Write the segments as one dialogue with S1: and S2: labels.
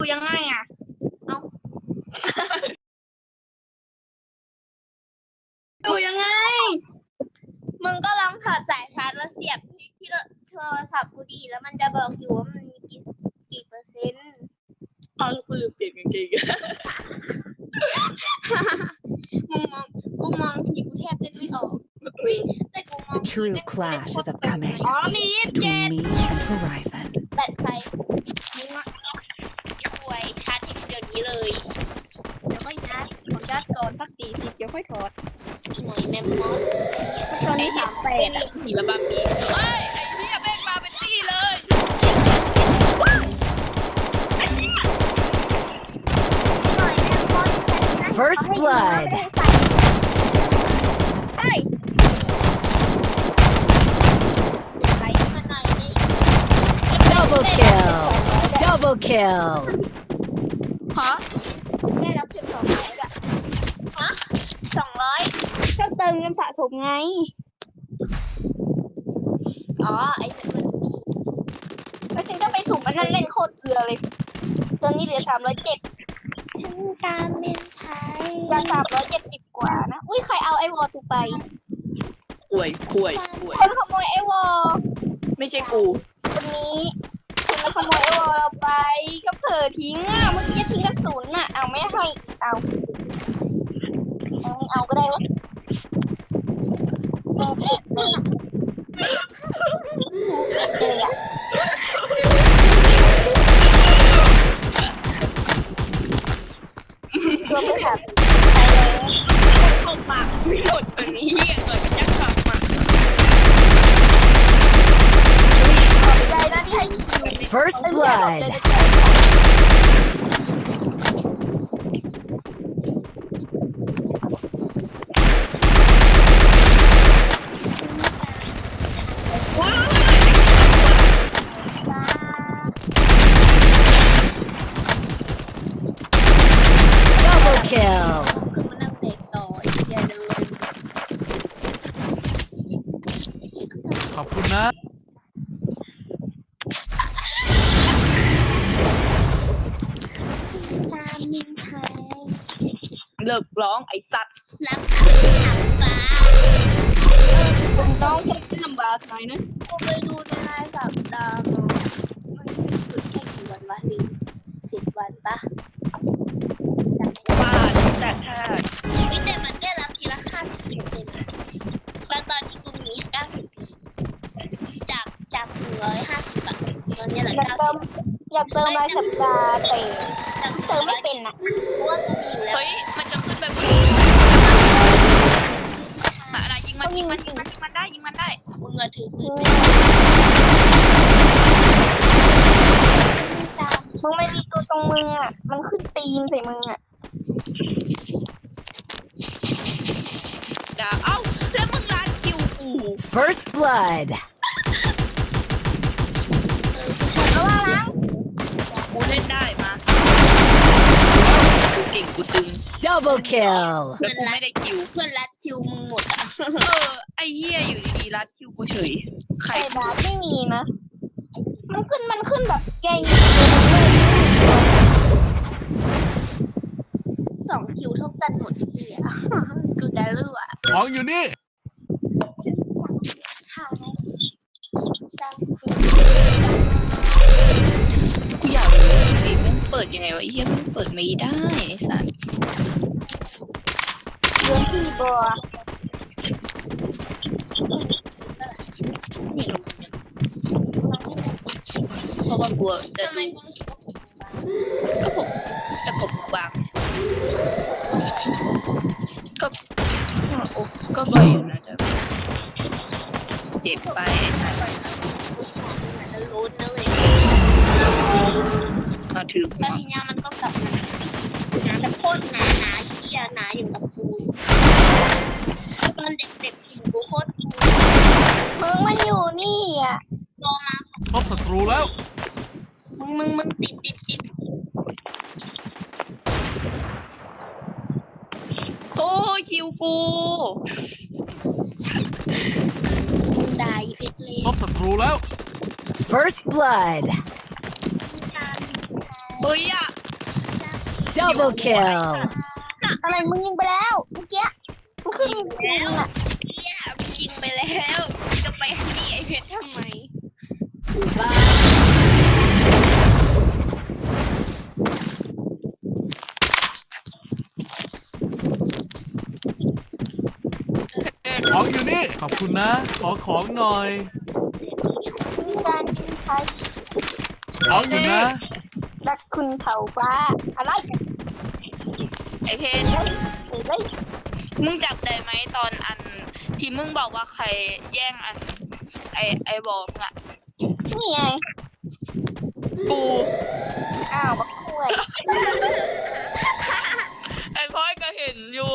S1: ยังไงอ่ะเอาดูยังไงมึงก็ลองถอดสายชาร์จแล้วเสียบที่โทรศัพท์กูดีแล้วมันจะบอกอยู่ว่ามันมีกี่เปอร์เซ็นต์
S2: เอากูลืมเปลี่ยนกางเกง
S1: กูมองทีกูแทบเล่นไม่ออกแต่กูมอง
S3: The true clash is upcoming
S1: อ๋อมี27
S3: between me and Horizon.
S1: แบตใครมึงอ่ะป่วยชาร์จเดี๋ยวนี้เลยเดี๋ยวค่อยชาร์จผมชาร์จก่อนสัก40เดี๋ยวค่อยถอดหน่วยแมมมอสตอนนี้38
S2: หีระบำอีกเฮ้ยไอ้เหี้ยแม่งมาเป็นตี้เลย
S3: First blood.
S1: เฮ้ยไหลมาหน่อยนี่
S3: Double kill. Double kill.
S2: ฮะ
S1: ได้รับเพียง200อะฮะ200ก็เติมเงินสะสมไงอ๋อไอ้แล้วฉันก็ไปสุ่มอันนั้นเล่นโคตรเกลือเลยตอนนี้เหลือ307ฉันตามเมนไทยจะ370กว่านะอุ้ยใครเอาไอวอลตูไป
S2: ป่วยป่วย
S1: คนขโมยไอวอล
S2: ไม่ใช่กู
S1: คนนี้คนมาขโมยไอวอลเราไปก็เผลอทิ้งอ่ะเมื่อกี้ทิ้งกระสุนอ่ะเอาไม่ให้อีกเอาก็ได้วะยังผิดเลยอ่ะตัวไม่ขาด
S2: เข้าปากไม่หมดอันนี้เหี้ยเกิดยักษ์ปากมา
S1: ใจแล้วที่ให้
S3: First blood.
S1: คือ
S3: Kill.
S1: มันนั่งเด็กต่ออย่าเดิน
S4: ขอบคุณนะ
S1: ตามมินไทย
S2: เลิกร้องไอ้สัตว์
S1: รับคือหางฟ้าคุณต้องใช้ลำบากหน่อยนะกูไปดูในรายสัปดาห์มันสุดแค่กี่วันวะลืม10 วันปะ
S2: บ้าแต่ถ้า
S1: แต่มันได้รับทีละ50%แล้วตอนนี้กูมี90จาก150อะตอนนี้เหลือ90อยากเติมรายสัปดาห์แต่เติมไม่เป็นอะเพราะว่ากูมีอยู่แล้ว
S2: เฮ้ยมันจะขึ้นไปบนอะไรยิงมันได้
S1: มึงอะถือปืนมึงไม่มีตัวตรงมึงอะมันขึ้นตีนใส่มึงอะ
S2: ด่าเอ้าแล้วมึงร้านคิวกู
S3: First blood.
S1: แล้วว่าล้าง
S2: กูเล่นได้มากูเก่งกูตึง
S3: Double kill.
S2: แล้วกูไม่ได้คิว
S1: เพื่อนรัดคิวมึงหมดอะ
S2: ไอ้เหี้ยอยู่ดีๆรัดคิวกูเฉยใคร
S1: ไอ้บาสไม่มีนะ มันขึ้นแบบแกยิง2 คิวเท่ากันหมดทีอะกูจะรู้อะ
S4: ของอยู่นี่
S1: ข้าวไหม
S2: กูอยากรู้ชีวิตมันเปิดยังไงวะไอ้เหี้ยมันเปิดไม่ได้ไอ้สัส
S1: เรื่องที่บัว
S2: ไม่รู้เนี่ยเพราะว่ากลัวจะดูก็ผมจะกบวางก็โอ้ก็บ่อยอยู่นะแต่เจ็บไป
S1: มันจะรู้นะเว้ย
S2: มาถือ
S1: แล้วทีนี้มันก็กลับมาหนาแต่โคตรหนาเหี้ยหนาอยู่กับกูตอนเด็กๆกินกูโคตรมึงมันอยู่นี่อ่ะรอมา
S4: พบศัตรูแล้ว
S1: มึงติด
S2: โอ้คิวกู
S1: มึงได้เพชรเลย
S4: พบศัตรูแล้ว
S3: First blood.
S2: เฮ้ยอะ
S3: Double kill.
S2: อะไรมึงยิงไปแล้วเมื่อกี้มึงขึ้นแล้วอ่ะ
S1: เนี่ยยิงไปแล้วจะไปหนีไอ้เพชรทำไมบ้า
S4: ของอยู่นี่ ขอบคุณนะ ขอของหน่อย
S2: การกินไทย
S4: ของอยู่นะ
S2: รักคุณเขาฟ้าอะไร
S5: ไอเพน
S2: เฮ้ย
S5: มึงจับได้ไหมตอนอันที่มึงบอกว่าใครแย่งอันไอบอกมึงอะ
S2: นี่ไง
S5: กู
S2: อ้าวบักคุ้ย
S5: ไอพ่อยก็เห็นอยู่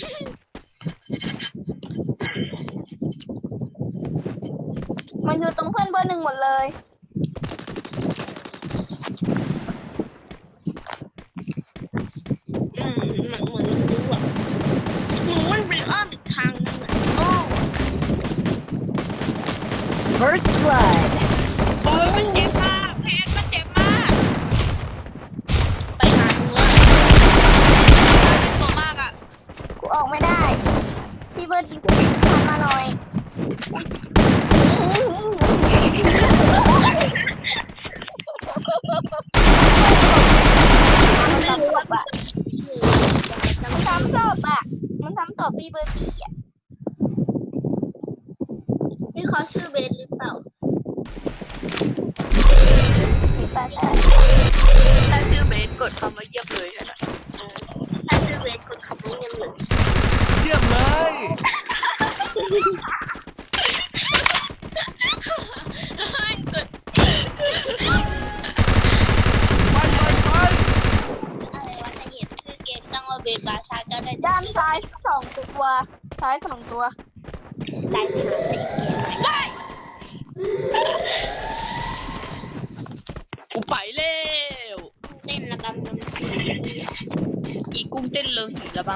S2: มันอยู่ตรงเพื่อนเบอร์หนึ่งหมดเลย
S1: เหมือนรู้อ่ะหนูมันเป็นอ้อมอีกทางนึงอ่ะโอ้
S3: First blood.
S5: โอ้ยมันเจ็บมากเพนมันเจ็บมาก
S1: ไปหาเนื้อ
S5: ตัวมากอะ
S2: กูออกไม่ได้ พี่เบิร์ดทำมาหน่อยมันทำศพอ่ะมันทำศพอ่ะมันทำศพพี่เบิร์ดพี่อ่ะ
S1: นี่เขาชื่อเบนหรือเปล่า
S2: แต่
S5: ถ้าชื่อเบสกดคำว่าเยียบเลยนะ
S1: ถ้าชื่อเบนคนขับรถยังเหมือน
S4: เยี่ยมเลย
S1: เกิด
S4: ไป
S1: อะไรวะจะเห็นชื่อเกมตั้งว่าเบนบาชาก็ได้
S2: ด้านซ้าย2 ตัวซ้าย2 ตัว
S1: ได้ไปหาใส่เกมไหน
S5: กูไปแล้ว
S1: เต้นระบำดนตรี
S5: อีกุ้งเต้นเลิงหีระบำ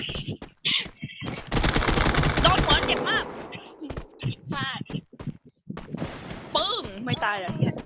S5: โดนหัวเจ็บมาก
S1: พลาด
S5: ปึ้งไม่ตายแล้วเนี่ย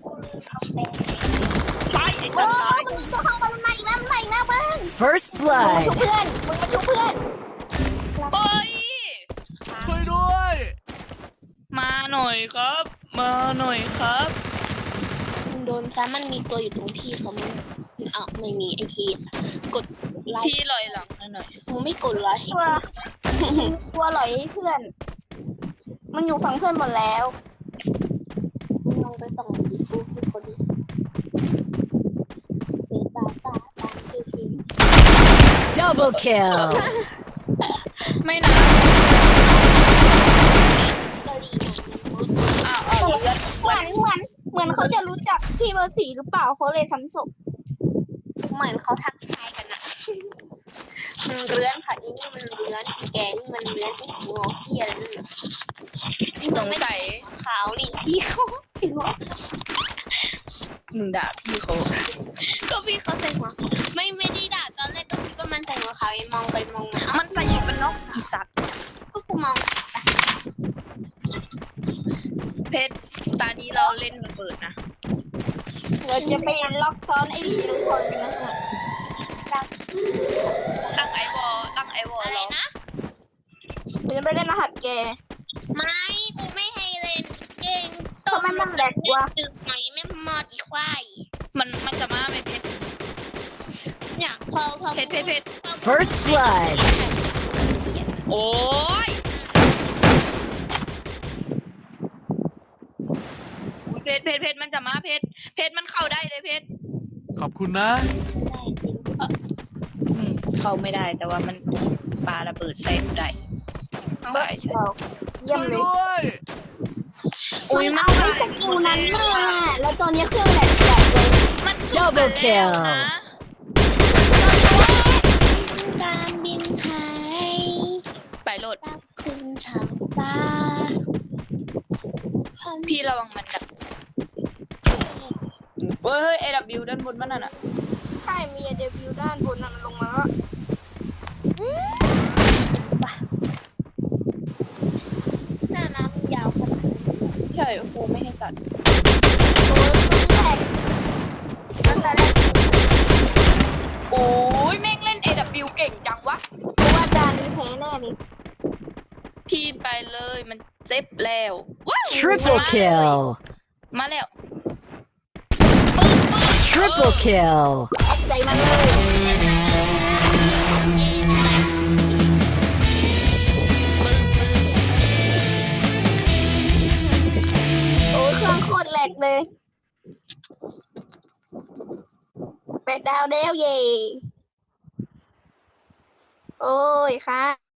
S5: ไปไอ้
S2: โอ้
S5: สัตว์ตาย
S2: มันตัวข้างบนมันมาอีกแล้วมันมาอีกแล้วมึง
S3: First
S2: มึงมา
S3: blood.
S2: ชุบเพื่อนมึงมาชุบเพื่อน
S5: โอ้ย
S4: ช่วยด้วย
S5: มาหน่อยครับ มาหน่อยครับ
S1: มันโดนซ้ำมันมีตัวอยู่ตรงที่เขาไม่อ้าวไม่มีไอทีกดไลค์
S5: พี่ลอยหลังหน่อย
S1: มึงไม่กดไลค์
S2: ตัวตัวหลอยเพื่อน มันอยู่ฝั่งเพื่อนหมดแล้ว
S1: มึงลองไปส่องดูที่เขาดิเบนบาชาตามชื่อเกม
S3: Double kill.
S5: ไม่นะ
S1: กะหรี่หน่อยมันรู้
S5: อ้าวเอาเลือด
S2: เหมือนเขาจะรู้จักพี่เบอร์4หรือเปล่าเขาเลยซ้ำศพ
S1: เหมือนเขาทักทายกันอะมันเรื้อนค่ะอีนี่มันเรื้อนอีแกนี่มันเรื้อนอีหัวเหี้ยอะไรนั่นน่ะ
S5: สงสัย
S1: ขาวนี่พี่เขาพี่หัว
S5: มึงด่าพี่เขา
S1: ก็พี่เขาใส่หัวขาวไม่ได้ด่าตอนแรกก็คิดว่ามันใส่หัวขาวไอ้มองไปมองมาเอ้า
S5: มันใส่อยู่เป็นนกอีสัตว์
S1: ก็กูมอง
S5: เพชรตานี้เราเล่นระเบิดนะ
S2: เราจะไปล็อกซ้อนไอ้ดีทุกคนกันนะฮะ
S5: ตั้งไอวอล
S1: อะไร
S5: แล้ว
S1: นะ
S2: เราจะไปเล่นรหัสแก
S1: ไม่กูไม่ให้เล่นเก่ง
S2: ทำไมมันแหลกวะ
S1: ตึกไหนไม่มอดอีควาย
S5: มันจะมาไหมเพชร
S1: เนี่ยพอ
S5: เพชร
S3: First blood.
S5: โอ้ยเพชรมันจะมาเพชรมันเข้าได้เลยเพชร
S4: ขอบคุณนะ
S5: เข้าไม่ได้แต่ว่ามันปาระเบิดใส่กูได้ใช่ใช่
S2: เราเยี่ย
S4: ช่
S2: ม
S4: วย
S2: เลย
S4: ด้วย
S5: อุ้ยมัน
S2: เอาไอ้สกิลนั้นมาแล้วตอนนี้เครื่องแหลกจัดเลย
S5: มัน
S3: Double kill
S5: นะ
S1: การบินไทย
S5: ไปโหลด
S1: รักคุณชาวบ้าน
S5: พี่ระวังมันกัดเฮ้ย AW ด้านบนมันน่ะ
S2: ใช่มีเดบิวด้านบนนั้นลงมาแล้ว
S1: หน้าน้ำยาวขนาด
S5: ใช่โอ้โหไม่ให้ตัด
S2: โอ้ยแหลกตั้งแต่แรก
S5: โอ้ยไปเลยมันเจ็บแล้วว้าว
S3: Triple kill.
S5: มาแล้ว
S3: Triple kill.
S2: แอดใจมาเลย โอ้เครื่องโคตรแหลกเลย8 ดาวเดวเย่โอ้ยค่ะ